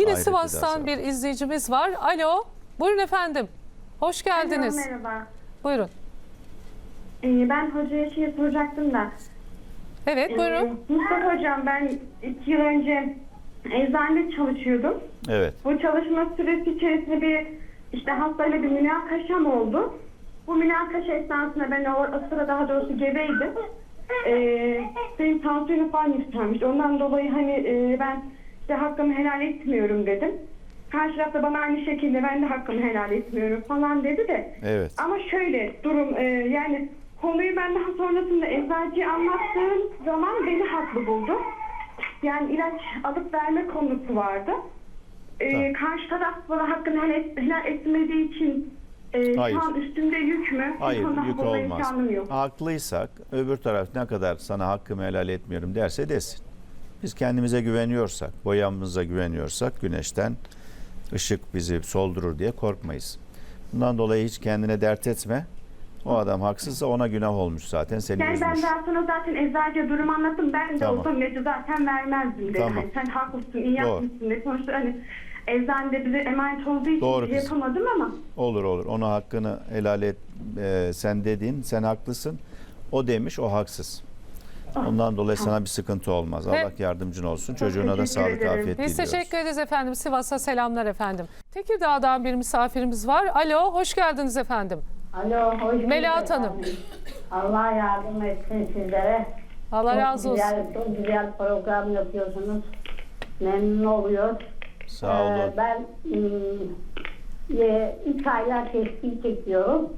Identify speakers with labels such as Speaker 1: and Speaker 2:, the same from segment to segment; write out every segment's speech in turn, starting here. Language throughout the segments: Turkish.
Speaker 1: Yine
Speaker 2: Ahirette
Speaker 1: Sivas'tan
Speaker 2: de
Speaker 1: bir izleyicimiz var. Alo, buyurun efendim. Hoş geldiniz.
Speaker 3: Alo, merhaba.
Speaker 1: Buyurun.
Speaker 3: Ben hocaya şey soracaktım da.
Speaker 1: Evet, buyurun.
Speaker 3: Mustafa hocam, ben 2 yıl önce eczanede çalışıyordum.
Speaker 2: Evet.
Speaker 3: Bu çalışma süresi içerisinde bir hastayla bir münakaşam oldu. Bu münakaşa esnasında ben o sıra daha doğrusu gebeydim. Benim tansiyonum falan yükselmiş. Ondan dolayı ben hakkımı helal etmiyorum dedim. Karşı tarafta bana aynı şekilde ben de hakkımı helal etmiyorum falan dedi de.
Speaker 2: Evet.
Speaker 3: Ama şöyle durum yani konuyu ben daha sonrasında eczacıya anlattığım zaman beni haklı buldu. Yani ilaç alıp verme konusu vardı.
Speaker 2: Tamam.
Speaker 3: Karşı taraf bana hakkını helal etmediği için
Speaker 2: Hayır.
Speaker 3: şu an üstümde yük mü? Bu
Speaker 2: Hayır,
Speaker 3: konuda
Speaker 2: yük
Speaker 3: bulma
Speaker 2: olmaz.
Speaker 3: imkanım yok.
Speaker 2: Haklıysak öbür taraf ne kadar sana hakkımı helal etmiyorum derse desin. Biz kendimize güveniyorsak, boyamıza güveniyorsak güneşten ışık bizi soldurur diye korkmayız. Bundan dolayı hiç kendine dert etme. O adam haksızsa ona günah olmuş zaten, seni
Speaker 3: Yani ben
Speaker 2: üzmüş.
Speaker 3: daha sonra zaten eczacıya durumu anlattım. Ben de
Speaker 2: Tamam.
Speaker 3: olsam ilacı zaten vermezdim dedi.
Speaker 2: Tamam.
Speaker 3: Hani sen haklısın, iyi
Speaker 2: Doğru.
Speaker 3: yapmışsın dedi. Sonuçta eczanede bize emanet olduğu için
Speaker 2: Doğru
Speaker 3: şey
Speaker 2: kızım.
Speaker 3: yapamadım ama.
Speaker 2: Olur. Ona hakkını helal et. Sen dediğin, sen haklısın. O demiş, o haksız. Ondan dolayı sana bir sıkıntı olmaz.
Speaker 1: Ve-
Speaker 2: Allah yardımcın olsun. Çocuğuna da
Speaker 3: teşekkür
Speaker 2: sağlık,
Speaker 3: ederim.
Speaker 2: afiyet
Speaker 1: Biz
Speaker 2: diliyoruz.
Speaker 1: teşekkür ederiz efendim. Sivas'a selamlar efendim. Tekirdağ'dan bir misafirimiz var. Alo, hoş geldiniz efendim.
Speaker 4: Alo, hoş bulduk
Speaker 1: Melahat Hanım.
Speaker 4: efendim. Allah yardım etsin sizlere.
Speaker 1: Allah razı olsun.
Speaker 4: Çok güzel program yapıyorsunuz. Memnun oluyor.
Speaker 2: Sağ olun.
Speaker 4: Ben 3 aylar tespih çekiyorum.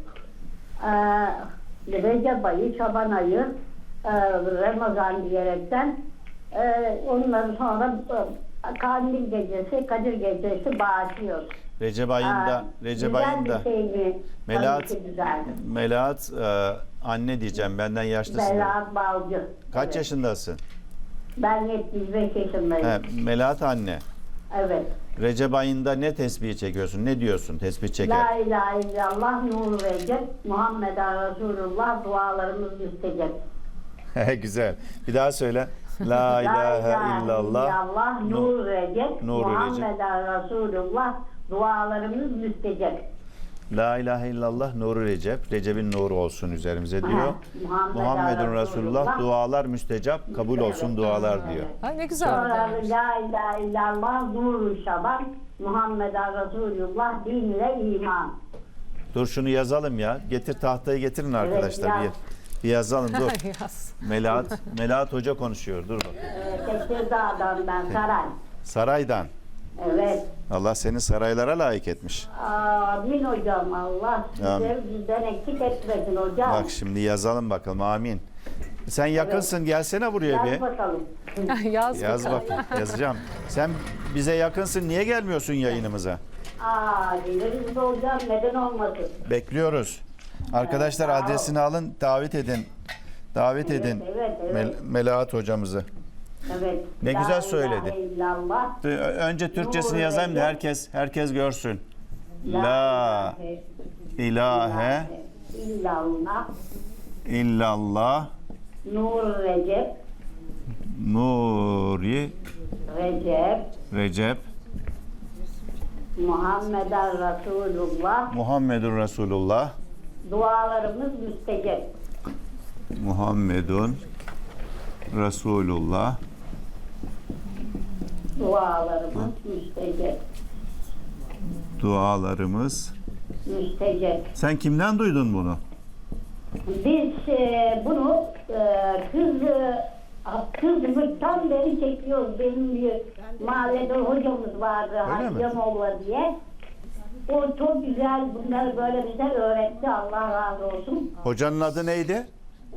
Speaker 4: Recep ayı, Şaban ayı, Ramazan diyerekten. Ondan sonra Kandil gecesi, Kadir gecesi bağışlıyoruz.
Speaker 2: Recep ayında,
Speaker 4: Güzel bir şey mi?
Speaker 2: Melahat,
Speaker 4: Tabii ki güzeldir.
Speaker 2: Melahat anne diyeceğim, benden yaşlısın.
Speaker 4: Melahat Balcı.
Speaker 2: Kaç
Speaker 4: Evet.
Speaker 2: yaşındasın?
Speaker 4: Ben 75 yaşındayım.
Speaker 2: He, Melahat anne.
Speaker 4: Evet.
Speaker 2: Recep ayında ne tesbihi çekiyorsun? Ne diyorsun tesbih
Speaker 4: La
Speaker 2: çeker?
Speaker 4: ilahe illallah nur verecek. Muhammeden Resulullah dualarımız müstecep.
Speaker 2: Güzel. Bir daha söyle. La ilahe illallah.
Speaker 4: nur verecek.
Speaker 2: nur verecek.
Speaker 4: Muhammeden Resulullah dualarımız müstecep.
Speaker 2: La ilahe illallah nuru Recep. Recep'in nuru olsun üzerimize diyor. Muhammedun Resulullah dualar müstecap, kabul olsun
Speaker 4: Evet,
Speaker 2: dualar
Speaker 4: evet.
Speaker 2: diyor.
Speaker 1: Ha, ne güzel.
Speaker 4: Sonra la ilahe illallah nur Şaban. Muhammeden Resulullah din ile iman.
Speaker 2: Dur şunu yazalım ya. Getir tahtayı getirin arkadaşlar.
Speaker 4: yaz.
Speaker 2: Bir yazalım dur.
Speaker 1: Yaz.
Speaker 2: Melahat Hoca konuşuyor. Dur bakayım.
Speaker 4: Tekirdağ'dan ben Saray.
Speaker 2: Saraydan.
Speaker 4: Evet.
Speaker 2: Allah seni saraylara layık etmiş.
Speaker 4: Amin hocam. Allah
Speaker 2: Amin.
Speaker 4: size bizden eksik etmesin hocam.
Speaker 2: Bak şimdi yazalım bakalım. Amin. Sen yakınsın. Gelsene buraya bir.
Speaker 4: Yaz bakalım.
Speaker 1: Yaz
Speaker 2: Yaz
Speaker 1: bakalım.
Speaker 2: bakayım. Yazacağım. Sen bize yakınsın. Niye gelmiyorsun yayınımıza?
Speaker 4: Geliriz hocam. Neden olmasın?
Speaker 2: Bekliyoruz. Arkadaşlar
Speaker 4: sağ ol.
Speaker 2: adresini alın. Davet edin. Davet edin.
Speaker 4: Evet.
Speaker 2: Melahat hocamızı.
Speaker 4: Evet.
Speaker 2: Ne
Speaker 4: La
Speaker 2: güzel
Speaker 4: ilahe
Speaker 2: söyledi.
Speaker 4: illallah.
Speaker 2: Önce Türkçesini
Speaker 4: Nur
Speaker 2: yazayım da
Speaker 4: Recep.
Speaker 2: herkes görsün. La ilahe
Speaker 4: illallah.
Speaker 2: illallah
Speaker 4: Nur Recep.
Speaker 2: Nuri Recep
Speaker 4: Muhammeden Resulullah.
Speaker 2: Muhammedun Resulullah
Speaker 4: Dualarımız müstecep.
Speaker 2: Muhammedun Resulullah
Speaker 4: Dualarımız müstecep.
Speaker 2: dualarımız.
Speaker 4: Müstecep.
Speaker 2: Sen kimden duydun bunu?
Speaker 4: Biz bunu kızlıktan beri çekiyoruz. Benim bir mahallede hocamız vardı,
Speaker 2: Öyle mi?
Speaker 4: Haccamoğlu diye. O çok güzel bunları böyle bize öğretti. Allah razı olsun.
Speaker 2: Hocanın adı neydi?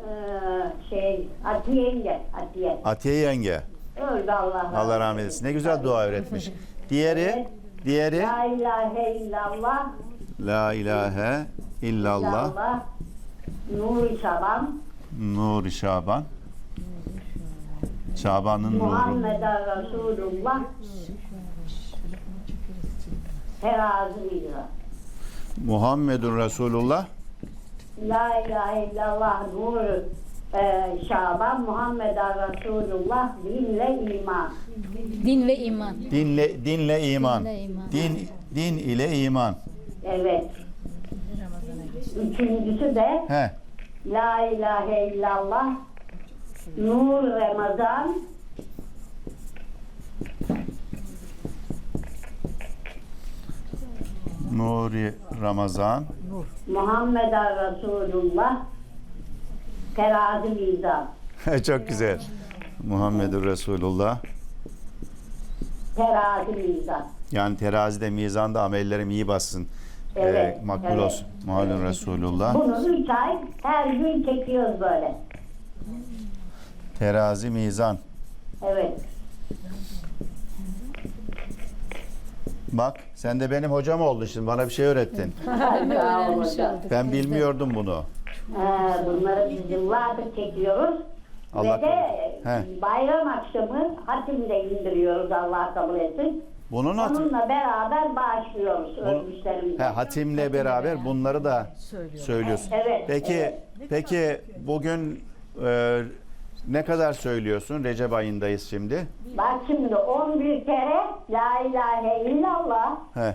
Speaker 4: Atiye yenge, Atiye.
Speaker 2: Atiye yenge.
Speaker 4: Öldü Allah razı olsun.
Speaker 2: Allah rahmet eylesin. Ne güzel dua öğretmiş. Diğeri
Speaker 4: La ilahe illallah.
Speaker 2: La ilahe illallah
Speaker 4: illallah. Nur-i Şaban.
Speaker 2: Nuri Şaban. Şaban'ın nuru.
Speaker 4: Muhammeden Resulullah. Terazi mizra.
Speaker 2: Muhammedun Resulullah.
Speaker 4: La ilahe illallah nur Şaban, Muhammeden Resulullah, din ve iman.
Speaker 5: Din ve iman.
Speaker 2: Dinle iman.
Speaker 5: Dinle iman.
Speaker 2: Din ile iman.
Speaker 4: Evet. Üçüncüsü de
Speaker 2: He.
Speaker 4: La ilahe illallah, Nur Ramazan,
Speaker 2: Nuri Ramazan.
Speaker 4: Muhammeden Resulullah, Terazi mizan.
Speaker 2: Çok güzel. Muhammedur Resulullah.
Speaker 4: Terazi mizan.
Speaker 2: Yani terazide, mizanda amellerim iyi bassın.
Speaker 4: Evet,
Speaker 2: Makbul
Speaker 4: evet,
Speaker 2: olsun. Muhammedur Resulullah.
Speaker 4: Bunu 3 ay her gün çekiyoruz böyle.
Speaker 2: Terazi, mizan.
Speaker 4: Evet.
Speaker 2: Bak sen de benim hocam oldun şimdi. Bana bir şey öğrettin.
Speaker 4: Sağ olun hocam.
Speaker 2: Ben bilmiyordum bunu.
Speaker 4: Bunları biz yıllardır çekiyoruz.
Speaker 2: Allah
Speaker 4: Ve de
Speaker 2: He.
Speaker 4: bayram akşamı hatimde indiriyoruz, Allah kabul etsin.
Speaker 2: Bunun
Speaker 4: Onunla beraber bağışlıyoruz ölmüşlerimize.
Speaker 2: hatimle beraber bunları da söylüyorsun.
Speaker 4: Evet,
Speaker 2: Peki
Speaker 4: evet.
Speaker 2: peki bugün ne kadar söylüyorsun? Recep ayındayız şimdi.
Speaker 4: Bak şimdi 11 kere La ilahe illallah,
Speaker 2: He.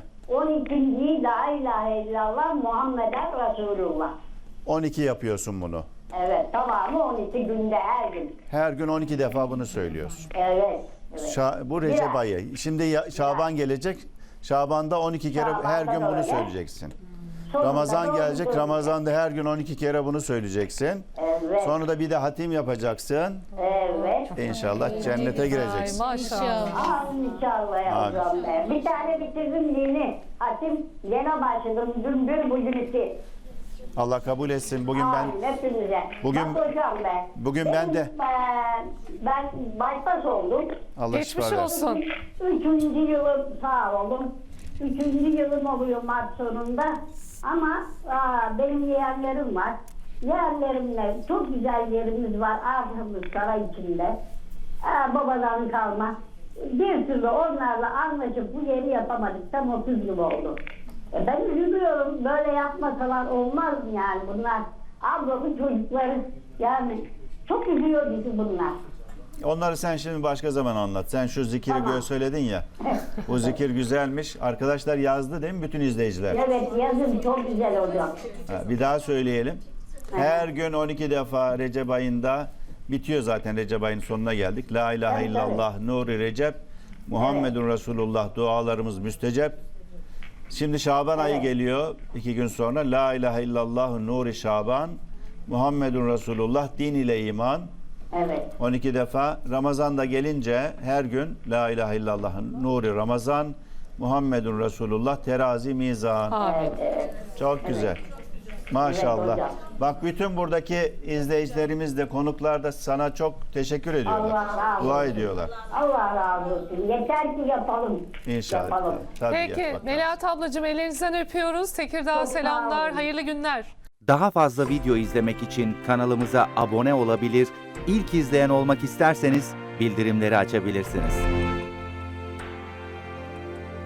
Speaker 4: 12. La ilahe illallah Muhammeden Resulullah.
Speaker 2: 12 yapıyorsun bunu.
Speaker 4: Evet, tamamı 12 günde her gün.
Speaker 2: Her gün 12 defa bunu söylüyorsun.
Speaker 4: Evet. Evet.
Speaker 2: Bu Recep
Speaker 4: Biraz.
Speaker 2: ayı. Şimdi Şaban gelecek. Şaban'da 12 kere
Speaker 4: Şaban'da
Speaker 2: her gün
Speaker 4: da
Speaker 2: bunu
Speaker 4: öyle.
Speaker 2: söyleyeceksin.
Speaker 4: Sonunda
Speaker 2: Ramazan
Speaker 4: doğru
Speaker 2: gelecek.
Speaker 4: söyleyeceğim.
Speaker 2: Ramazan'da her gün 12 kere bunu söyleyeceksin.
Speaker 4: Evet.
Speaker 2: Sonra da bir de hatim yapacaksın.
Speaker 4: Evet.
Speaker 2: İnşallah cennete
Speaker 1: Ay
Speaker 2: gireceksin.
Speaker 1: maşallah.
Speaker 4: İnşallah yavrum be. Bir tane bitirdim yeni. Hatim yine başladım. Dün bir bugün iki.
Speaker 2: Allah kabul etsin. Bugün ben
Speaker 4: Amin hepinize.
Speaker 2: Bugün-
Speaker 4: Bak hocam be.
Speaker 2: bugün ben de-
Speaker 4: Ben bypass oldum.
Speaker 2: Allah
Speaker 1: Geçmiş
Speaker 2: şifa versin.
Speaker 1: olsun.
Speaker 4: 3. yılım sağ olun. 3. yılım oluyor Mart sonunda. Ama benim yeğenlerim var. Yeğenlerimle çok güzel yerimiz var. Arkamız saray içinde. Babadan kalma. Bir türlü onlarla anlaşıp bu yeri yapamadık. Tam 30 yıl oldu. Ben üzülüyorum. Böyle yapmasalar olmaz mı yani bunlar? Ablamın çocukları yani çok üzüyor bizi bunlar.
Speaker 2: Onları sen şimdi başka zaman anlat. Sen şu zikiri
Speaker 4: Tamam.
Speaker 2: böyle söyledin ya. Bu zikir güzelmiş. Arkadaşlar yazdı değil mi bütün izleyiciler?
Speaker 4: Evet yazın çok güzel hocam.
Speaker 2: Bir daha söyleyelim. Her gün 12 defa Recep ayında bitiyor zaten, Recep ayının sonuna geldik. La ilahe
Speaker 4: Evet,
Speaker 2: illallah nuri Recep Muhammedun Resulullah dualarımız müstecep. Şimdi Şaban ayı geliyor 2 gün sonra. La ilahe illallah nuri Şaban Muhammedun Resulullah din ile iman.
Speaker 4: Evet.
Speaker 2: 12 defa. Ramazan'da gelince her gün La ilahe illallah nuri Ramazan Muhammedun Resulullah terazi mizan.
Speaker 1: Amin.
Speaker 2: Çok güzel. Maşallah.
Speaker 4: Evet hocam.
Speaker 2: Bak bütün buradaki izleyicilerimiz de konuklar da sana çok teşekkür ediyorlar.
Speaker 4: Allah razı
Speaker 2: Dua
Speaker 4: olsun.
Speaker 2: ediyorlar.
Speaker 4: Allah razı olsun. Yeter ki yapalım.
Speaker 2: İnşallah.
Speaker 4: Yapalım.
Speaker 2: Tabii
Speaker 1: Peki
Speaker 2: yap bakalım.
Speaker 1: Melahat ablacığım ellerinizden öpüyoruz. Tekirdağ
Speaker 4: Çok sağ
Speaker 1: selamlar.
Speaker 4: olun.
Speaker 1: Hayırlı günler.
Speaker 6: Daha fazla video izlemek için kanalımıza abone olabilir, ilk izleyen olmak isterseniz bildirimleri açabilirsiniz.